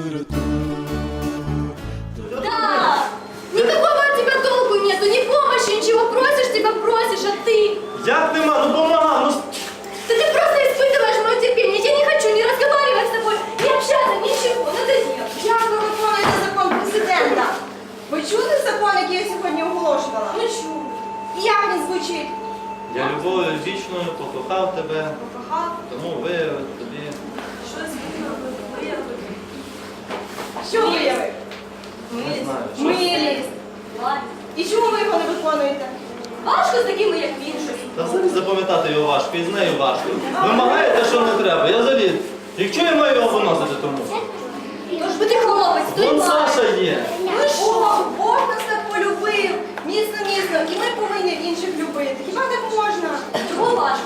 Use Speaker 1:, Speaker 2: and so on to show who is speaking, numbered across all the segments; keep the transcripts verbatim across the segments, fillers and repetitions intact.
Speaker 1: Да! Никакого от тебя толку нету, ни помощи, ничего. Просишь, тебя просишь, а ты...
Speaker 2: Як нема? Ну помага, ну...
Speaker 1: Да ты просто испытываешь мое терпение. Я не хочу ни разговаривать с тобой, ни общаться, ничего. Надоело.
Speaker 3: Як ви виконуєте закон президента? Ви чули закон, який я сьогодні оголошувала?
Speaker 1: Ну чё?
Speaker 3: І як він звучить?
Speaker 2: Я любов'ю вічною покохав тебе,
Speaker 3: Покохав.
Speaker 2: тому виявив тобі.
Speaker 1: Щось виявив.
Speaker 3: Що виявив?
Speaker 2: Не знаю. що-
Speaker 3: Милість.
Speaker 1: Ладно.
Speaker 3: І чому ви його не виконуєте?
Speaker 1: Важко з такими, як він, щось.
Speaker 2: Та взагалі запам'ятати його важко, і з нею важко. Вимагаєте, що не треба. Я взагалі, якщо я маю його виносити тому?
Speaker 1: Тож би ти хлопець, стой
Speaker 2: Вон
Speaker 1: пара.
Speaker 2: Саша є.
Speaker 3: Ну що, Бог нас так полюбив, міцно-міцно, і ми повинні інших любити. Хіба так можна?
Speaker 1: Чого важко?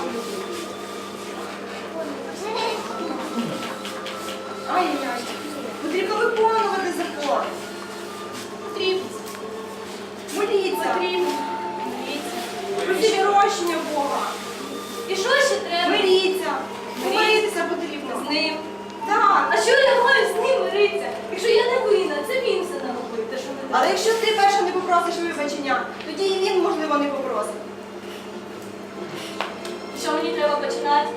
Speaker 3: Ай-яй, потрібно виконувати закон.
Speaker 1: Потрібно.
Speaker 3: Моліться.
Speaker 1: Потрібно.
Speaker 3: Просіть прощення Бога.
Speaker 1: І що ще треба?
Speaker 3: Миріться. Миритися потрібно.
Speaker 1: З ним.
Speaker 3: Так.
Speaker 1: А що я маю з ним миритися? Якщо я не винна, це він все наробив, те, що не
Speaker 3: Але якщо ти перша не попросиш вибачення, тоді і він, можливо, не попросить.
Speaker 1: Що мені треба починати?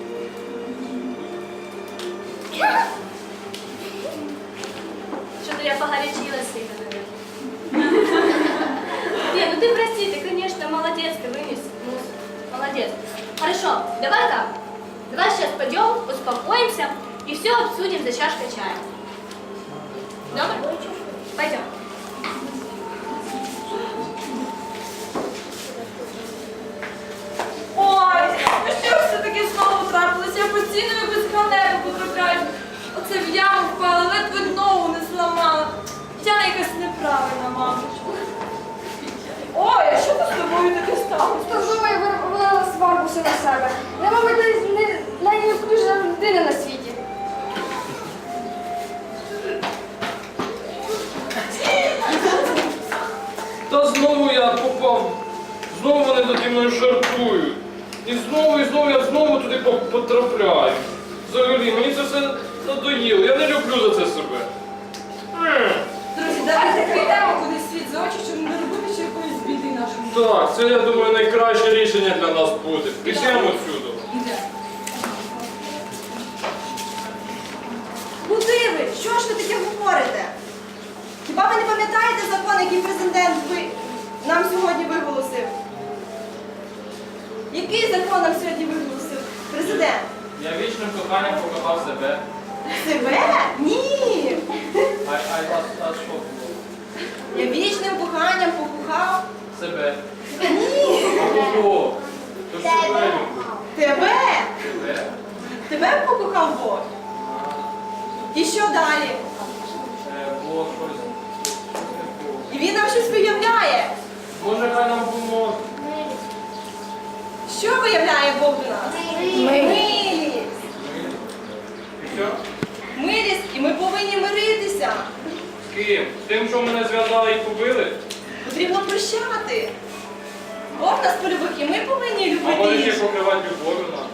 Speaker 1: Что-то я погорячилась сильно, наверное. Не, ну ты прости, ты, конечно, молодец, ты вынес. Ну, молодец. Хорошо, давай так. Давай сейчас пойдем, успокоимся и все обсудим за чашкой чая. Добро? Пойдем.
Speaker 4: Ой, ну що ж це таке знову трапилося? Я постійно в якусь халепу потрапляю. Оце в яму впала, ледве ногу не зламала. Я якась неправильна, мамочка. Ой, а що тут з тобою таке сталося?
Speaker 5: Та знову я вивела сварку все на себе. Я, мабуть, не- найневключена людина на світі.
Speaker 6: Та знову я попав, знову вони наді мною жартують. І знову, і знову я знову туди по- потрапляю. Взагалі, мені це все надоїло, я не люблю за це себе. М.
Speaker 4: Друзі, давайте прийдемо кудись світ за очі, щоб не робити ще якоїсь біди нашому.
Speaker 6: Так, це, я думаю, найкраще рішення для нас буде. Пішемо отсюди.
Speaker 4: Іде.
Speaker 3: Куди ви? Що ж ви таке говорите? Хіба ви не пам'ятаєте закон, який президент ви... нам сьогодні виголосив? Який закон нам сьогодні виголосив президент?
Speaker 6: Я вічним коханням покохав себе.
Speaker 3: Себе? Ні!
Speaker 6: А, а, а, а що було?
Speaker 3: Я вічним коханням покохав
Speaker 6: Себе.
Speaker 3: Ні!
Speaker 6: А кого? То ж себе люблю.
Speaker 3: Тебе!
Speaker 6: Себе?
Speaker 3: Тебе покохав Бог. І що далі?
Speaker 6: Е, Було щось. не було.
Speaker 3: І він нам щось виявляє.
Speaker 6: Може, хай нам поможе.
Speaker 3: Що виявляє Бог до нас? Милість.
Speaker 6: І що?
Speaker 3: Милість, і ми повинні миритися.
Speaker 6: З ким? З тим, що мене зв'язали і побили?
Speaker 3: Потрібно прощати. Бог нас полюбив, і ми повинні
Speaker 6: А може
Speaker 3: любити
Speaker 6: ще
Speaker 3: інших.
Speaker 6: покривати любов'ю нас?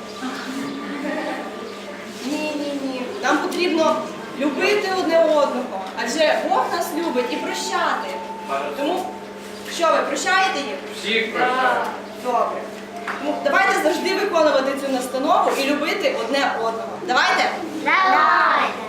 Speaker 3: Ні, ні, ні. Нам потрібно любити одне одного. Адже Бог нас любить і прощати. Тому, що ви, прощаєте їх?
Speaker 6: Всіх прощаю.
Speaker 3: Так, добре. Тому давайте завжди виконувати цю настанову і любити одне одного. Давайте?
Speaker 5: Давай!